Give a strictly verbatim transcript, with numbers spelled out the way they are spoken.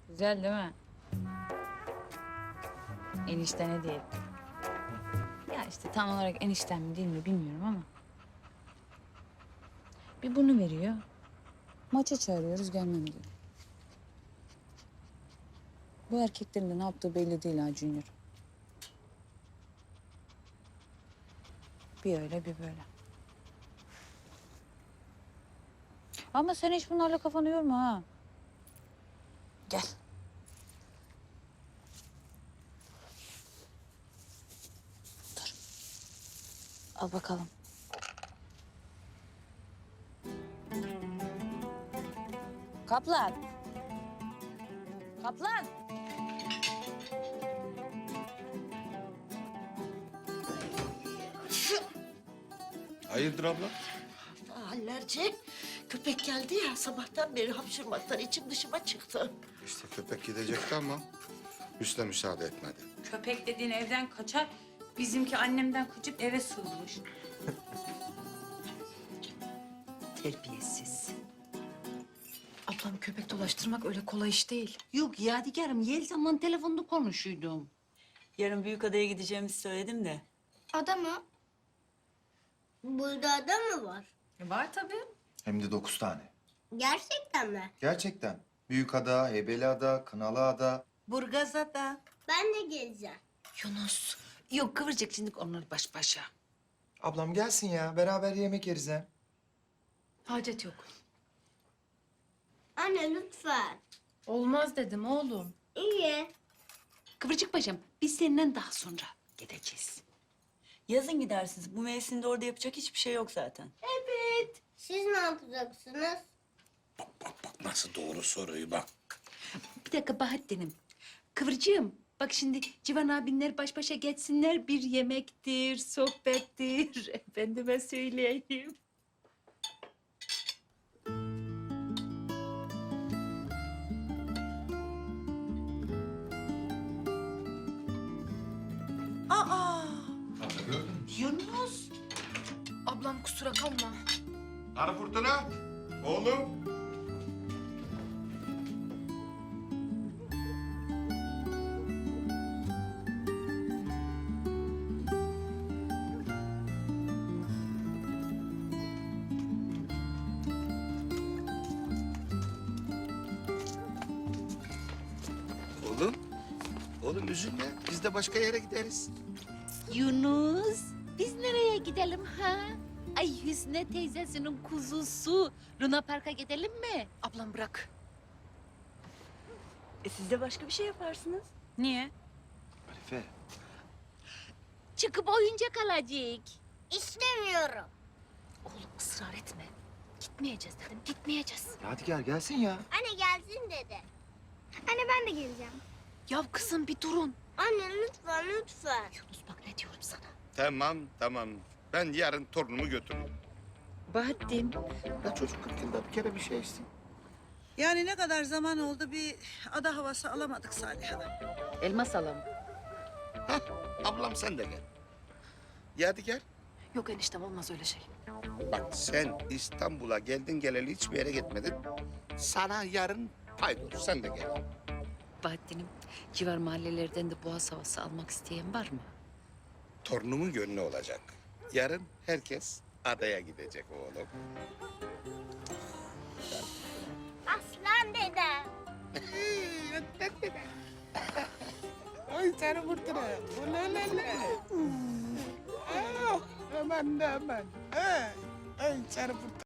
Güzel değil mi? Enişten hediye etti. Ya işte tam olarak enişten mi değil mi bilmiyorum ama. Bir bunu veriyor. Maça çağırıyoruz gelmem diyor. Bu erkeklerin de ne yaptığı belli değil ha Junior. Bir öyle bir böyle. Ama sen hiç bunlarla kafanı yorma ha. Gel. Dur. Al bakalım. Kaplan. Kaplan. Hayırdır abla? Hallerce köpek geldi ya sabahtan beri hapşırmaktan içim dışıma çıktı. İşte köpek gidecekti ama Hüsnü müsaade etmedi. Köpek dediğin evden kaçar. Bizimki annemden kaçıp eve sığınmış. Terbiyesiz. Ablam köpek dolaştırmak öyle kolay iş değil. Yok Yadigar'ım Yeliz'le telefonda konuşuydum. Yarın Büyükada'ya gideceğimizi söyledim de. Ada mı? Burada ada mı var? E var tabii. Hem de dokuz tane. Gerçekten mi? Gerçekten. Büyükada, Heybeliada, Kınalıada. Burgazada. Ben de geleceğim. Yunus. Yok kıvıracak şimdi onları baş başa. Ablam gelsin ya. Beraber yemek yeriz hem. Hacet yok. Anne lütfen. Olmaz dedim oğlum. İyi. Kıvırcık paşam biz senden daha sonra gideceğiz. Yazın gidersiniz. Bu mevsimde orada yapacak hiçbir şey yok zaten. Evet. Siz ne yapacaksınız? Bak nasıl doğru soruyu bak. Bir dakika Bahattin'im. Kıvırcığım bak şimdi Civan abinler baş başa geçsinler bir yemektir, sohbettir. Efendime söyleyeyim. Aa! Yunus. Ablam kusura kalma. Arı fırtına. Oğlum. Oğlum. Oğlum üzülme. Biz de başka yere gideriz. Yunus, biz nereye gidelim ha? Ay Hüsnü teyzesinin kuzusu. Luna Park'a gidelim mi? Ablam bırak. E siz de başka bir şey yaparsınız. Niye? Arife. Çıkıp oyuncak alacak. İstemiyorum. Oğlum ısrar etme. Gitmeyeceğiz dedim, gitmeyeceğiz. Yadigar gelsin ya. Anne gelsin dedi. Anne ben de geleceğim. Ya kızım bir durun. Anne lütfen lütfen. Yunus bak ne diyorum sana. Tamam tamam. Ben yarın torunumu götürürüm. Bahattin. Ya çocuk kırk yılda bir kere bir şey içsin. Yani ne kadar zaman oldu bir ada havası alamadık Salih Hanım. Elmas alalım. Hah, ablam sen de gel. Yadigar. Yok eniştem olmaz öyle şey. Bak sen İstanbul'a geldin geleli hiçbir yere gitmedin. Sana yarın paydos. Sen de gel. Bahattin'im civar mahallelerden de boğaz havası almak isteyen var mı? Torunumun gönlü olacak. Yarın herkes adaya gidecek oğlum. Aslan dede. Ay sarı fırtına. Ulalala. Ah, aman da aman. Ay, ay sarı fırtına.